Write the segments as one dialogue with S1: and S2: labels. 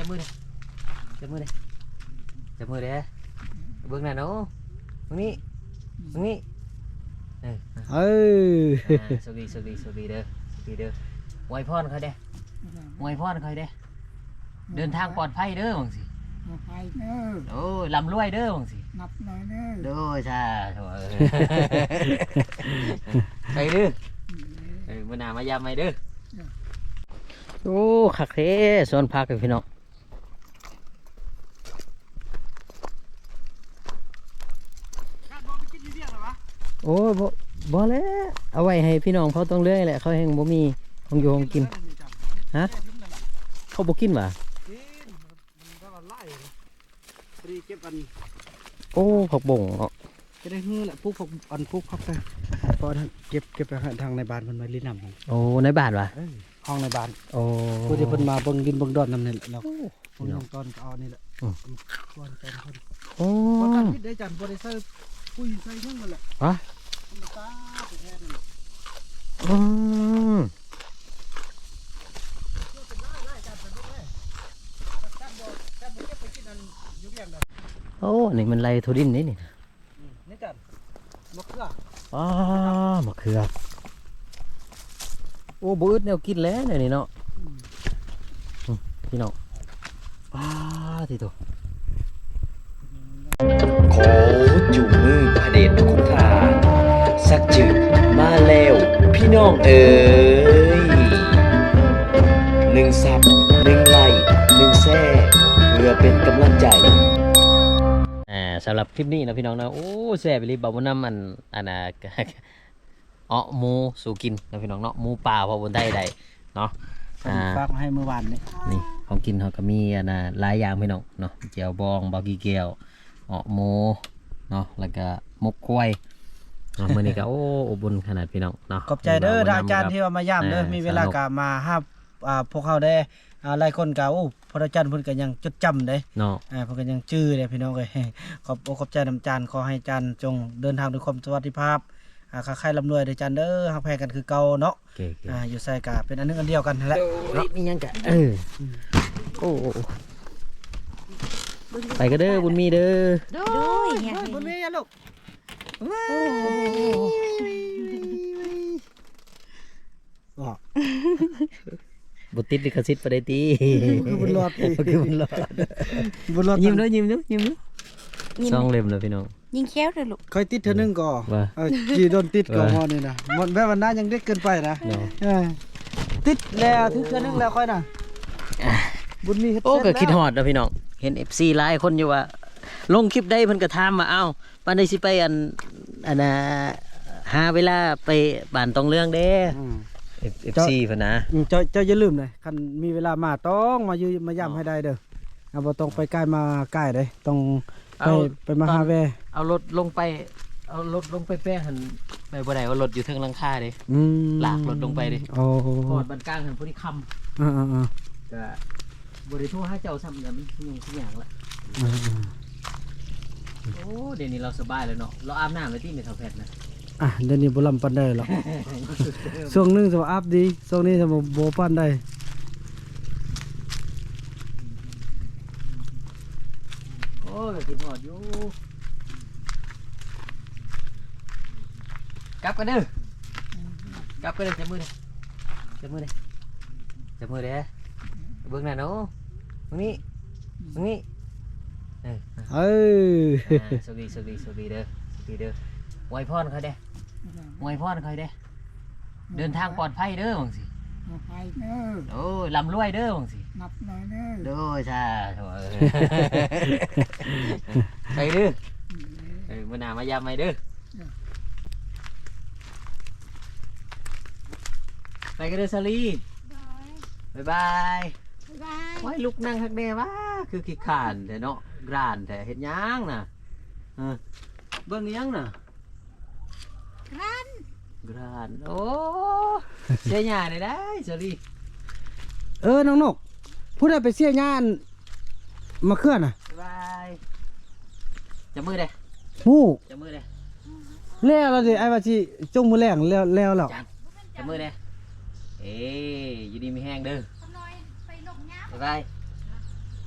S1: มือเลยจับมือเลยจับมือเลยเบื้องหน้าเนาะตรงนี้สวัสดีเด้อไว้พรเขาเด้ไว้พรเขาเด้เดินทางปลอดภัยเด้อบังสิ
S2: ไปเด้อ
S1: โอ้ลำรวยเด้อบังสิ
S2: นับหน่อยเด้อ
S1: โดยใช่ไปเด้อมื่อหน้ามายามไปเด้อโอ้คักเท่สวนพักเลยพี่น้องโอ้บ่แล้วเอาไว้ให้พี่น้องเขาต้องเลื่อยแหละเขาแห้งบ่มีของอยู่ของกินฮะเขาบ่กินว่ะโอ้ผักบ่งเนาะ
S2: จะได้เฮือแหละพวกอันพวกพักไปพอเก็บไปทางในบ้านมันมาลิ้นนำ
S1: โอ้ในบ้านว่ะ
S2: ห้องในบ้าน
S1: โอ้
S2: ผู้ที่เพิ่นมาเบิ่งดินเบิ่งดอนนำนี่แหละเราเบิ่งตอนก็เอานี่แหละควรเป็นคน
S1: โอ้
S2: ประกันพิษได้จันบ่ได้ใส่ปุ้ยใส่ทั้งนั่นแหละ
S1: ฮะ
S2: ตาไปแท้นั่น
S1: โอ้นี่มันไรทุดินนี่นี่
S2: จันมะเขือ
S1: มะเขือโอ้บูดแนวกินแล้วเนี่ยนี่เนาะพี่น้องที่ตัวขอจูงมือพระเดชคุณทานสักจืดมาแล้วพี่น้องเอ๋ย1 ซับ1 ไลค์1 แซ่เพื่อเป็นกำลังใจสำหรับคลิปนี้นะพี่น้องนะโอ้แซ่บไปเลยบ่าวน้ำอันน่ะหมูสู่กินนะพี่น้องเนาะหมูป่าพอบนได้ใดเนาะ
S2: ฝากให้เมื่อวาน
S1: นี่ของกินเขาก็มีอันน่ะหลายอย่างพี่น้องเนาะเจียวบองบากีเกียวหมูเนาะแล้วก็มกควายมื้อนี้ก็โอ้อบอุ่นขนาดพี่น้องเนาะ
S2: ขอบใจเด้ออาจารย์ที่มาย่ำเด้อมีเวลากะมาห้าพวกเขาได้หลายคนก็โอ้พระอาจารย์เพิ่นก็ยังจดจำเด้
S1: เนาะ
S2: เพิ่นก็ยังจื้อเด้พี่น้องเอ้ยขอบใจน้ำจานขอให้จานจงเดินทางด้วยความสวัสดิภาพค้าขายร่ำรวยเด้อจานเด้อฮักแพงกันคือเก่าเนาะอยู่ใส่กะเป็นอันนึงอันเดียวกันนั่นแหละ
S1: นี่ยังกะโอ้ไปก็เด้อบุญมีเด้อ
S2: บุญมีอย่าลูก
S1: บุติดลิขสิทธิ์ประเดี๋ยวตี
S2: คือบุญรอด
S1: คือบุญรอดยิ้มด้วยซองเล็มเลยพี่น้อง
S3: ยิงแค้วเลยลูก
S2: เคยติดเธอนึงก่อจีโดนติดก่อมอนี่นะแม่วันนั้นยังเด็กเกินไปนะติดแล้วถึงเธอนึงแล้วค่อยนะบุญมี
S1: โอ้ก็คิดฮอดนะพี่น้องเห็น FC หลายคนอยู่ว่าลงคลิปได้เพิ่นก็ถามมาเอ้าปานใดสิไปอันหาเวลาไปบ้านตองเรื่องเด้FC เพิ่นนะ
S2: เจ้าอย่าลืมเลยคันมีเวลามาต้องมาย่ำให้ได้เด้อบ่ต้องไปใกล้มาใกล้เด้ต้องไปมาหาแว
S1: เอารถลงไปแป้งหันไปบ่ได้ว่ารถอยู่เทิงหลังคาเด้ลากรถลงไปเด้
S2: โอ้
S1: กอดบันกลางหันพอดีค่ำก็บ่ได้โทรหาเจ้าซ้ำเนี่ยมันทุกอย่างละโอ้เดี๋ยวนี้เราสบายแล้วเนาะเราอาบน้ำไว้ที่เมทัลแพทนะ
S2: เดี๋ยวนี้บ่ลำปันได้หรอกช่วงนึงสมอาบดีช่วงนี้สมบ่ปันได้
S1: โอ้ยกินหอดอยู่กลับกันเด้จับมือเลยเบื้องหน้าเนาะตรงนี้สวัสดีเด้อไว้พรเขาเด้เดินทางปลอดภัยเด้อบังสิ
S2: ไปเด้อ
S1: โอ้ลำรวยเด้อบังสิ
S2: นับหน่อยเด้อ
S1: โดยใช่ไปเด้อมื่อหน้ามายามไปเด้อไปกันเด้อซาลีบ๊ายบายไว้ลุกนั่งทักเดวะคือขี้ขานแต่เนาะกรานแต่เห็นยังน่ะเบิ่งยังน่ะกรานโอ้เสียหญ้าได้ซาลี
S2: น้องนกพูดได้ไปเสียหญ้ามาเคลื่อนน่ะ
S1: บ๊ายบายจับมือเด้จับมือเด้
S2: แล้วเราสิไอ้ว่าสิจงมือแรงแล้ว
S1: จับมือเด้อยู่ดีมีแห้งเด้อบ๊ายบาย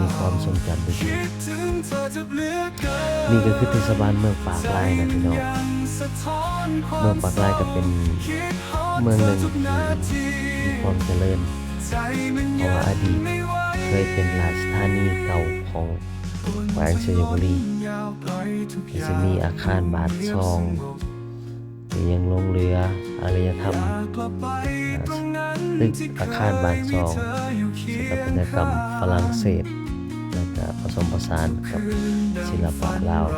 S1: มีความทรงจำดี
S4: คิดถึงเธอจะเหลือเกิน
S1: นี่ก็คือเทศบาลเมืองปากลายนะพี่น้อง
S4: สะท้อนคว
S1: เมืองปากลายก็เป็น
S4: คิดฮอด
S1: เมืองหนึ่ง
S4: ธทุกนาที
S1: ที่มีความเจริญ
S4: ใจมัน
S1: เพราะว่าอดีต
S4: ไม่ไหว
S1: เคยเป็นราชธานีเก่าของแขวงชัยบุรี
S4: ยาวปล่อยทุกอย่าง
S1: จะมีอาคารบาทซองมียังลงเรืออารยธรรม
S4: อยากกลับไปตรงนั้น
S1: ตึก
S4: ที่เคย
S1: อาคารบาทซอง
S4: มีเธอยู่เคี
S1: ส
S4: ยง
S1: ถาปัตยกรรมฝรั่งเศส แล้วก็ผสมผสานกับศิลปะลาว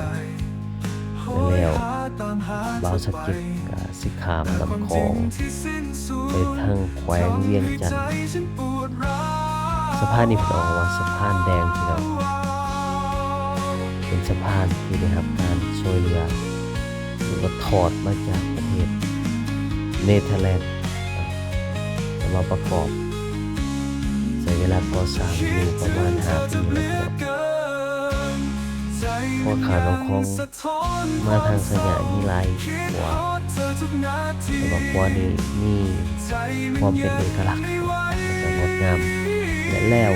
S1: แล้วบาวสะกิดกับสิขามลำคลองไปทางแขวงเวียงจันทร์สะพานนี้เป็นออกว่าสะพานแดงพี่น้องเป็นสะพานที่ได้รับการช่วยเหลือหรือว่าถอดมาจากประเทศเนเธอร์แลนด์จะมาประกอบใช้เวลาก่อสร้างอยู่ประมาณ5 ปีแล้วพี่น้องเพราะขาน้องคองมาทางสยามมีลายหัวแต่ว่าหัวนี้มีความเป็นเอกลักษณ์และงดงามและแล้ว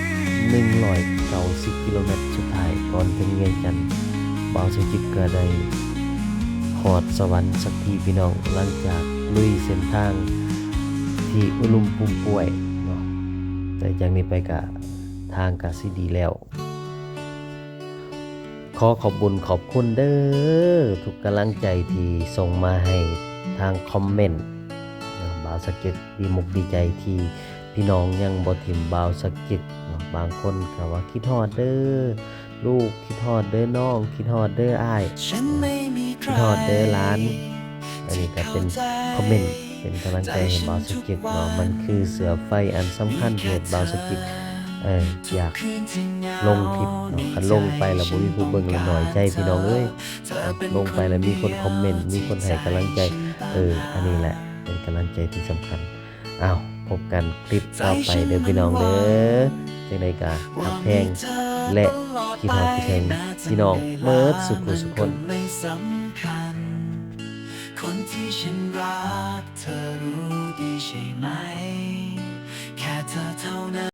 S1: 190 กิโลเมตรสุดท้ายก่อนถึงเวียงจันทร์บ่าวสกิดก็ได้หอดสวรรค์สักทีพี่น้องหลังจากลุยเส้นทางที่อุลุมปุ่มป่วยเนาะแต่จากนี้ไปก็ทางก็สิดีแล้ว ขอขอบบุญขอบคุณเด้อทุกกำลังใจที่ส่งมาให้ทางคอมเมนต์บ่าวสะเก็ตดีมุกดีใจที่พี่น้องยังบ่ถิ่มบ่าวสะเก็ตบางคนก็ว่าคิดฮอดเด้อลูกคิดฮอดเด้อน้องคิดฮอดเด้ออ้ายคิดฮอดเด้อหลาน อันนี้ก็เป็นคอมเมนต์เป็นกำลังใจให้บ่าวสะเก็ตเนาะมันคือเสือไฟอันสำคัญที่บ่าวสะเก็ตอยากลงคลิปเนาะคันลงไปแล้วบ่มีผู้เบิ่งแล้วน้อยใจพี่น้องเอ้ยลงไปแล้วมีคนคอมเมนต์มีคนให้กำลังใจอันนี้แหละเป็นกำลังใจที่สำคัญอ้าวพบกันคลิปต่อไปเด้อพี่น้องเด้อจังได๋ก็ทักแพงและคิดฮอดคิดถึงพี่น้องเบิดสุขสุขคน
S4: ไม่สำคัญคนที่ฉันรักเธอรู้ดีใช่ไหมแค่เธอเท่านั้น